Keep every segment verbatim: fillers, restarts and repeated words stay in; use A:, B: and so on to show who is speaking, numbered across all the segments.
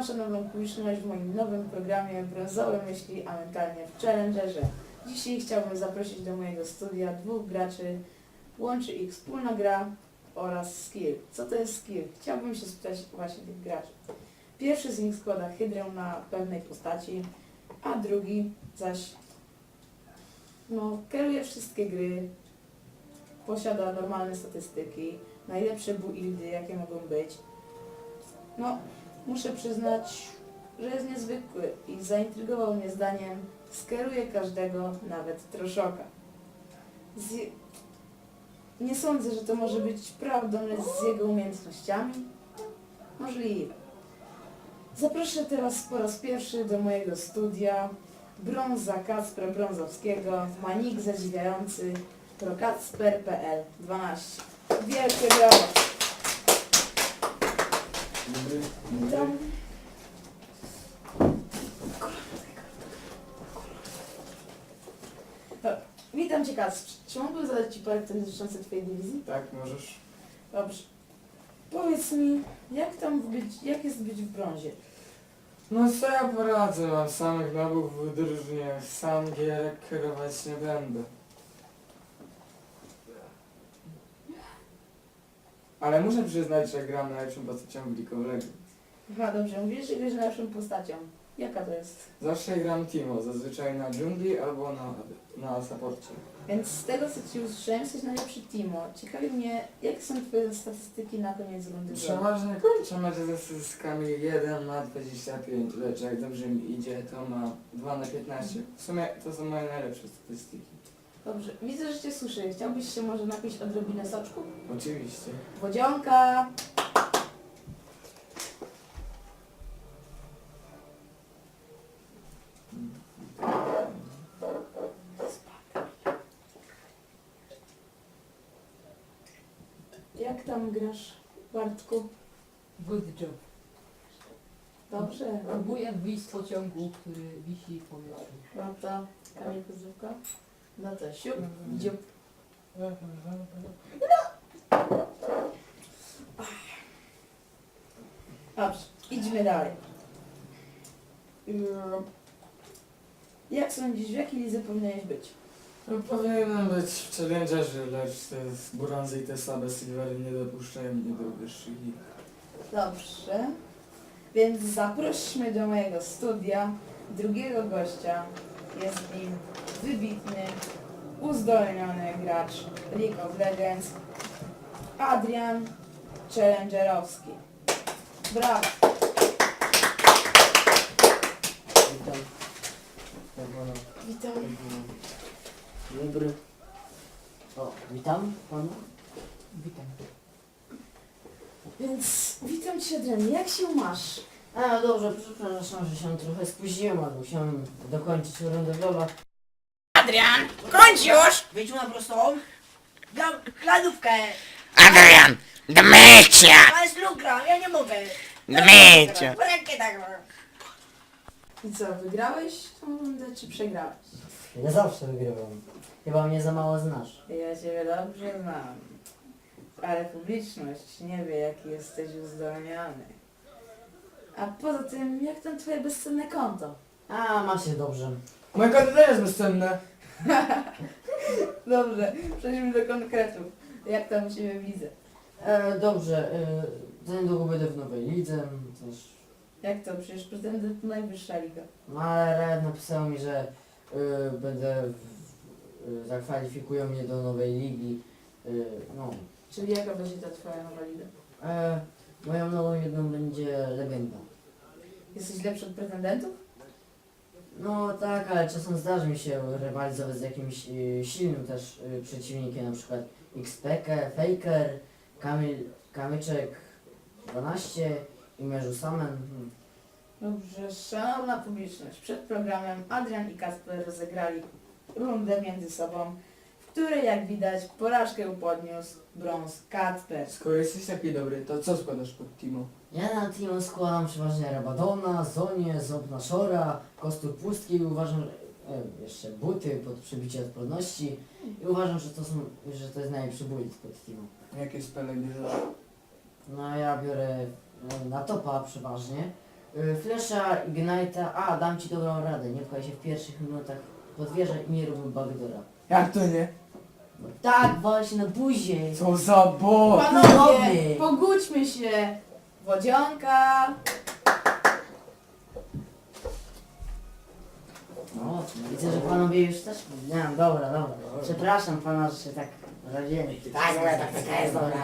A: szanowną publiczność w moim nowym programie Brązowe Myśli, a mentalnie w Challengerze. Dzisiaj chciałbym zaprosić do mojego studia dwóch graczy. Łączy ich wspólna gra oraz skill. Co to jest skill? Chciałbym się spytać właśnie tych graczy. Pierwszy z nich składa hydrę na pewnej postaci, a drugi zaś no, kieruje wszystkie gry, posiada normalne statystyki, najlepsze buildy jakie mogą być. No, muszę przyznać, że jest niezwykły i zaintrygował mnie zdaniem, skieruje każdego, nawet troszoka. Z... Nie sądzę, że to może być prawdą, lecz z jego umiejętnościami? Możliwe. Zaproszę teraz po raz pierwszy do mojego studia Brąza Kacpra Brązowskiego, manik zadziwiający prokacper kropka p l dwanaście. Wielkie brawa! Witam. Witam Cię, Kacprze. Czy mógłbym zadać Ci parę pytań dotyczących Twojej dywizji?
B: Tak, możesz.
A: Dobrze. Powiedz mi, jak tam być, jak jest być w brązie?
B: No co ja poradzę, mam samych nabów w drużynie, sam gierek kierować nie będę. Ale muszę przyznać, że gram najlepszą postacią w League of Legends.
A: Aha, dobrze. Mówisz, że grasz najlepszą postacią. Jaka to jest?
B: Zawsze gram Timo, zazwyczaj na dżungli albo na, na supporcie.
A: Więc z tego, co Ci usłyszałem, jesteś najlepszy Timo. Ciekawi mnie, jakie są Twoje statystyki na koniec rundy?
B: Przeważnie kończę mecze ze statystykami jeden na dwadzieścia pięć, lecz jak dobrze mi idzie, to ma dwa na piętnaście. W sumie to są moje najlepsze statystyki.
A: Dobrze. Widzę, że Cię słyszę. Chciałbyś się może napić odrobinę soczku?
B: Oczywiście.
A: Wodzionka! Jak tam grasz, Bartku?
C: Good job.
A: Dobrze.
C: Próbuję wyjść z pociągu, który wisi w powietrzu.
A: Prawda? Kamil Kozówka? No to siup, dziup. Dobrze, idźmy dalej. Mm. Jak sądzisz, w jakiej lidze powinieneś być?
B: No, powinienem być w Challengerze, lecz te brązy i te słabe silvery nie dopuszczają mnie do wyższych lig.
A: Dobrze. Więc zaprośmy do mojego studia drugiego gościa. Jest nim wybitny, uzdolniony gracz League of Legends, Adrian Challengerowski. Brawo!
D: Witam. Tak, pana.
A: Witam.
D: Dzień dobry. O, witam panu.
C: Witam.
A: Więc witam Cię, Adrian. Jak się masz?
D: A, dobrze, przepraszam, że się trochę spóźniłem, ale musiałem dokończyć rundę w LoL'a.
E: Adrian, kończ już!
F: Wyjdź na prostą. Gram klanówkę.
E: Adrian, Dmycia!
F: To jest lugra, ja nie mogę.
E: Dmycia!
F: W rękę tak mam.
A: I co, wygrałeś tą rundę, czy przegrałeś?
D: Ja zawsze wygrywam. Chyba mnie za mało znasz.
A: Ja Ciebie dobrze znam. Ale publiczność nie wie, jaki jesteś uzdolniony. A poza tym, jak tam Twoje bezcenne konto?
D: A, ma się dobrze.
B: Moje konto też jest bezcenne.
A: Dobrze, przejdźmy do konkretów. Jak tam u Ciebie widzę?
D: E, dobrze, e, za niedługo będę w nowej lidze, też.
A: Jak to? Przecież pretendent to najwyższa liga.
D: No, ale Red napisał mi, że e, będę, w, e, zakwalifikują mnie do nowej ligi. E, no,
A: Czyli jaka będzie ta Twoja nowa liga?
D: e, moją nową jedną będzie legenda.
A: Jesteś lepszy od pretendentów?
D: No tak, ale czasem zdarzy mi się rywalizować z jakimś y, silnym też y, przeciwnikiem, na przykład X P K, Faker, Kamil, Kamyczek dwanaście i Mierzu Samen. Hmm.
A: Dobrze, szanowna publiczność, przed programem Adrian i Kacper rozegrali rundę między sobą, w której jak widać porażkę podniósł brąz Kacper.
B: Skoro jesteś taki dobry, to co składasz pod Timo?
D: Ja na team składam przeważnie Rabadona, Zonię, Ząbna Szora, Kostur Pustki i uważam, że e, jeszcze buty pod przebicie odporności i uważam, że to są, że to jest najlepszy build pod teamu.
B: Jakie spele bierzesz?
D: No ja biorę e, na topa przeważnie, Y, Flesza, Ignite'a, a dam ci dobrą radę, nie pchaj się w pierwszych minutach pod wieżę i nie rób backdoora.
B: Jak to nie?
D: No tak, właśnie na buzie.
B: Co za bo...
A: Panowie,
D: Panowie.
A: pogódźmy się. Wodzionka.
D: No, widzę, że panowie już też... Nie, dobra, dobra. Przepraszam pana, że się tak radziłem. Tak, dobra, tak, taka jest, dobra.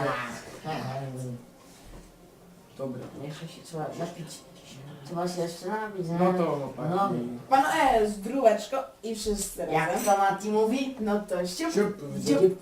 B: Dobra.
D: Jeszcze się trzeba napić. Trzeba się jeszcze napić, nie?
B: No to chłopaki.
D: No.
A: Pan E z dróweczką i wszyscy
D: Jak
A: razem.
D: to Mati mówi?
A: No to ściup.
B: Siup,
A: Dziób.
B: dziób.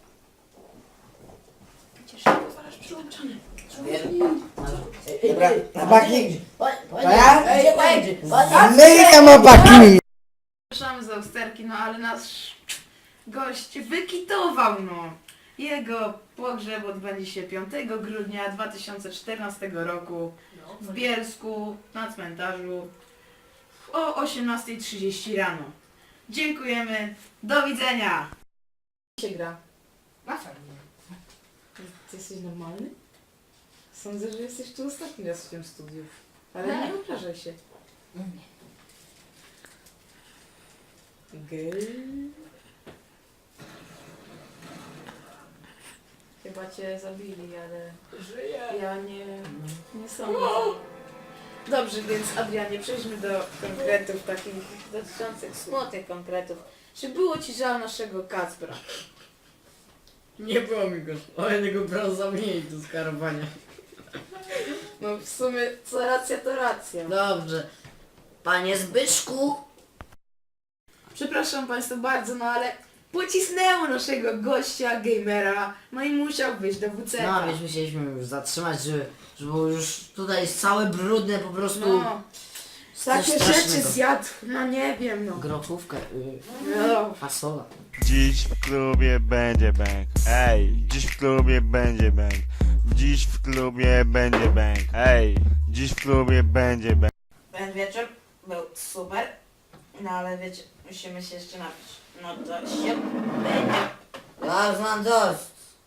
D: Dobra,
E: na baki.
D: To
E: ja?
A: Ej, ej,
E: Ameryka ma baki.
A: Przepraszamy za usterki, no ale nasz gość wykitował, no. Jego pogrzeb odbędzie się piątego grudnia dwa tysiące czternastego roku w Bielsku na cmentarzu o osiemnastej trzydzieści rano. Dziękujemy, do widzenia! Jak się gra?
C: Na fajnie.
A: Ty jesteś normalny? Sądzę, że jesteś tu ostatni raz w tym studiu. Ale
C: Nie.
A: nie obrażaj się. Gej. Chyba cię zabili, ale
C: Żyję.
A: ja nie, nie sądzę. Dobrze, więc Adrianie, przejdźmy do konkretów takich dotyczących smutnych konkretów. Czy było ci żal naszego Kacpra?
D: Nie było mi go, o jednego brał za mniej do skarowania.
A: No w sumie co racja to racja.
D: Dobrze. Panie Zbyszku.
A: Przepraszam Państwa bardzo, no ale pocisnęło naszego gościa, gamera, no i musiał wyjść do W C K.
D: No, więc musieliśmy już zatrzymać, żeby, żeby było już tutaj jest całe brudne po prostu.
A: No,
D: Coś
A: takie rzeczy
D: strasznego.
A: zjadł, no nie wiem, no.
D: Grochówkę, y,
A: no.
D: fasola.
G: Dziś w klubie będzie bang. Ej, dziś w klubie będzie bang. Dziś w klubie będzie bang. Ej, dziś w klubie będzie bang.
F: Ten wieczór był super, no ale wiecie, musimy się jeszcze napić. No to się będzie.
D: Ja już mam dość.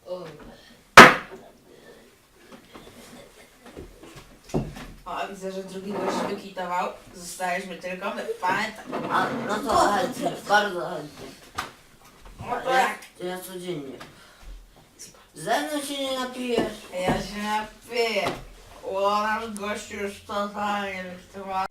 F: O, widzę, że drugi gość wykitował. Zostaliśmy tylko my. Pamiętaj.
D: A, no to chętnie, bardzo chętnie.
F: No to jak?
D: To ja codziennie. Ze mną się nie napijesz.
F: Ja się napiję. O, nasz gościu już totalnie wykitował.